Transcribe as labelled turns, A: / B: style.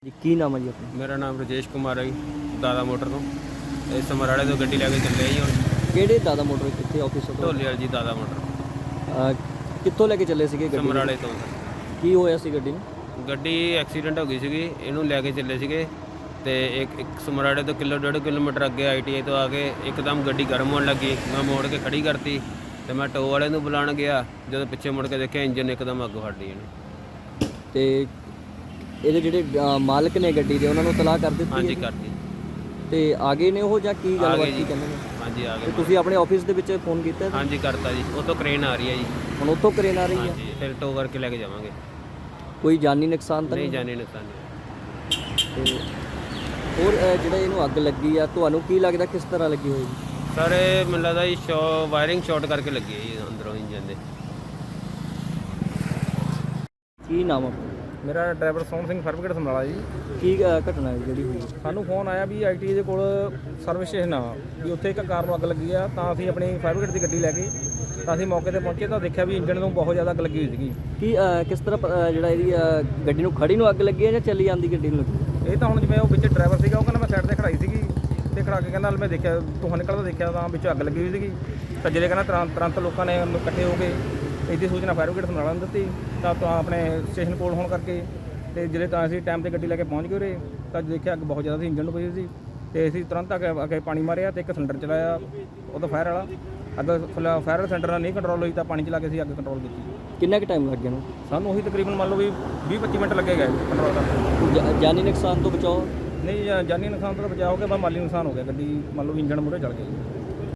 A: ਜੀ ਕੀ ਨਾਮ ਹੈ ਜੀ ਆਪਣਾ?
B: ਮੇਰਾ ਨਾਮ ਰਜੇਸ਼ ਕੁਮਾਰ ਹੈ ਜੀ, ਦਾਦਾ ਮੋਟਰ ਤੋਂ। ਇਹ ਸਮਰਾਲੇ ਤੋਂ ਗੱਡੀ ਲੈ ਕੇ ਚੱਲੇ ਜੀ ਹੁਣ।
A: ਕਿਹੜੇ ਦਾਦਾ ਮੋਟਰ ਕਿੱਥੇ ਆਫਿਸ ਤੋਂ?
B: ਢੋਲੇ ਵਾਲੀ ਜੀ ਦਾਦਾ ਮੋਟਰ,
A: ਕਿੱਥੋਂ ਲੈ ਕੇ ਚੱਲੇ ਸੀਗੇ ਗੱਡੀ?
B: ਸਮਰਾਲੇ ਤੋਂ।
A: ਕੀ ਹੋਇਆ ਸੀ ਗੱਡੀ ਨੂੰ?
B: ਗੱਡੀ ਐਕਸੀਡੈਂਟ ਹੋ ਗਈ ਸੀਗੀ, ਇਹਨੂੰ ਲੈ ਕੇ ਚੱਲੇ ਸੀਗੇ ਤੇ ਇੱਕ ਸਮਰਾਲੇ ਤੋਂ 1.5 ਕਿਲੋਮੀਟਰ ਅੱਗੇ ITI ਤੋਂ ਆ ਕੇ ਇੱਕਦਮ ਗੱਡੀ ਗਰਮ ਹੋਣ ਲੱਗੀ। ਮੈਂ ਮੋੜ ਕੇ ਖੜੀ ਕਰਤੀ ਤੇ ਮੈਂ ਟੋ ਵਾਲੇ ਨੂੰ ਬੁਲਾਉਣ ਗਿਆ। ਜਦੋਂ ਪਿੱਛੇ ਮੁੜ ਕੇ ਦੇਖਿਆ ਇੰਜਨ ਇੱਕਦਮ ਅੱਗੋਂ ਹਟ ਗਈ ਇਹਨੇ।
A: ਤੇ ਇਹਦੇ ਜਿਹੜੇ ਮਾਲਕ ਨੇ ਗੱਡੀ ਦੇ ਉਹਨਾਂ ਨੂੰ ਤਲਾਹ ਕਰ ਦਿੱਤੀ?
B: ਹਾਂਜੀ
A: ਹੈ?
B: ਕਰਤੀ।
A: ਤੇ ਆ ਗਏ ਨੇ ਉਹ ਜਾਂ ਕੀ
B: ਆ
A: ਗੱਲਬਾਤ
B: ਗਏ
A: ਕੀ
B: ਜੀ।
A: ਕਹਿੰਦੇ ਨੇ?
B: ਹਾਂਜੀ ਆ
A: ਤੇ
B: ਗਏ।
A: ਤੁਸੀਂ ਆਪਣੇ ਆਫਿਸ ਦੇ ਵਿੱਚ ਫੋਨ ਕੀਤਾ ਹੈ?
B: ਹਾਂਜੀ ਕਰਤਾ ਜੀ, ਉਹ ਤੋਂ ਕ੍ਰੇਨ ਆ ਰਹੀ ਹੈ ਜੀ।
A: ਹੁਣ ਉੱਥੋਂ ਕਰੇਨ ਆ ਰਹੀ ਹੈ?
B: ਹਾਂਜੀ ਫਿਰ ਟੋ ਕਰਕੇ ਲੈ ਕੇ ਜਾਵਾਂਗੇ।
A: ਕੋਈ ਜਾਨੀ ਨੁਕਸਾਨ ਤਾਂ
B: ਨਹੀਂ
A: ਨਹੀਂ?
B: ਜਾਣੇ ਨੁਕਸਾਨ ਨਹੀਂ।
A: ਤੇ ਹੋਰ ਜਿਹੜਾ ਇਹਨੂੰ ਅੱਗ ਲੱਗੀ ਆ ਤੁਹਾਨੂੰ ਕੀ ਲੱਗਦਾ ਕਿਸ ਤਰ੍ਹਾਂ ਲੱਗੀ ਹੋਏਗੀ?
B: ਸਰ ਇਹ ਮੈਨੂੰ ਲੱਗਦਾ ਜੀ ਵਾਇਰਿੰਗ ਸ਼ਾਰਟ ਕਰਕੇ ਲੱਗੀ ਹੈ ਜੀ ਅੰਦਰੋਂ ਇੰਜਨ ਦੇ।
A: ਕੀ ਨਾਮ ਆ ਆਪਣਾ?
C: ਮੇਰਾ driver Sohan Singh fire brigade Samrala ji.
A: ਕੀ ਘਟਨਾ ਹੈ ਜਿਹੜੀ ਹੋਈ?
C: ਸਾਨੂੰ ਫੋਨ ਆਇਆ ਵੀ ITI ਦੇ ਕੋਲ ਸਰਵਿਸ ਸਟੇਸ਼ਨ ਆ ਵੀ ਉੱਥੇ ਇੱਕ ਕਾਰ ਨੂੰ ਅੱਗ ਲੱਗੀ ਆ। ਤਾਂ ਅਸੀਂ ਆਪਣੀ ਫਾਇਰ ਬ੍ਰਿਗੇਡ ਦੀ ਗੱਡੀ ਲੈ ਕੇ ਤਾਂ ਅਸੀਂ ਮੌਕੇ ਤੇ ਪਹੁੰਚੇ ਤਾਂ ਦੇਖਿਆ ਵੀ ਇੰਜਨ ਨੂੰ ਬਹੁਤ ਜ਼ਿਆਦਾ ਅੱਗ ਲੱਗੀ ਹੋਈ ਸੀਗੀ।
A: ਕੀ ਕਿਸ ਤਰ੍ਹਾਂ ਜਿਹੜਾ ਇਹਦੀ ਗੱਡੀ ਨੂੰ ਖੜੀ ਨੂੰ ਅੱਗ ਲੱਗੀ ਹੈ ਜਾਂ ਚੱਲੀ ਜਾਂਦੀ ਗੱਡੀ ਨੂੰ ਲੱਗੀ?
C: ਇਹ ਤਾਂ ਹੁਣ ਜਿਵੇਂ ਉਹ ਵਿੱਚ ਡਰਾਈਵਰ ਸੀਗਾ, ਉਹ ਕਹਿੰਦਾ ਮੈਂ ਸਾਈਡ ਤੇ ਖੜਾਈ ਸੀਗੀ ਤੇ ਖੜਾ ਕੇ ਕਹਿੰਦਾ ਮੈਂ ਦੇਖਿਆ ਧੂੰਆਂ ਨਿਕਲਦਾ ਦੇਖਿਆ ਤਾਂ ਵਿੱਚ ਅੱਗ ਲੱਗੀ ਹੋਈ ਸੀਗੀ। ਤਾਂ ਜਿਹੜੇ ਕਹਿੰਦਾ ਤੁਰੰਤ ਲੋਕਾਂ ਨੇ ਇਕੱਠੇ ਹੋ ਕੇ ਇਹਦੀ ਸੂਚਨਾ ਫਾਇਰ ਬ੍ਰਿਗੇਡ ਸਮਰਾਲਾ ਨੂੰ ਦਿੱਤੀ। ਤਾਂ ਆਪਣੇ ਸਟੇਸ਼ਨ ਕੋਲ ਹੋਣ ਕਰਕੇ ਤੇ ਜਿਹੜੇ ਤਾਂ ਅਸੀਂ ਟਾਈਮ ਤੇ ਗੱਡੀ ਲੈ ਕੇ ਪਹੁੰਚ ਗਏ ਉਰੇ ਤਾਂ ਦੇਖਿਆ ਅੱਗ ਬਹੁਤ ਜ਼ਿਆਦਾ ਸੀ, ਇੰਜਨ ਨੂੰ ਪਈ ਸੀ। ਤੇ ਅਸੀਂ ਤੁਰੰਤ ਆ ਕੇ ਪਾਣੀ ਮਾਰਿਆ ਤੇ ਇੱਕ ਸਿਲੰਡਰ ਚਲਾਇਆ ਉਹਦਾ ਫਾਇਰ ਵਾਲਾ। ਅੱਗ ਫਾਇਰ ਸਿਲੰਡਰ ਨਾਲ ਨਹੀਂ ਕੰਟਰੋਲ ਹੋਈ ਤਾਂ ਪਾਣੀ ਚਲਾ ਕੇ ਅਸੀਂ ਅੱਗ ਕੰਟਰੋਲ ਕੀਤੀ।
A: ਕਿੰਨਾ ਕੁ ਟਾਈਮ ਲੱਗ ਗਿਆ ਨੂੰ?
C: ਸਾਨੂੰ ਉਹੀ ਤਕਰੀਬਨ ਮੰਨ ਲਓ ਵੀ 20-25 ਮਿੰਟ ਲੱਗੇ ਗਏ ਕੰਟਰੋਲ ਕਰਨ।
A: ਜਾਨੀ ਨੁਕਸਾਨ ਤੋਂ ਬਚਾਓ?
C: ਨਹੀਂ ਜਾਨੀ ਨੁਕਸਾਨ ਤੋਂ ਬਚਾਅ ਹੋ ਗਿਆ, ਬਸ ਮਾਲੀ ਨੁਕਸਾਨ ਹੋ ਗਿਆ। ਗੱਡੀ ਮੰਨ ਲਓ ਇੰਜਨ ਮੂਹਰੇ ਚੜ ਗਿਆ।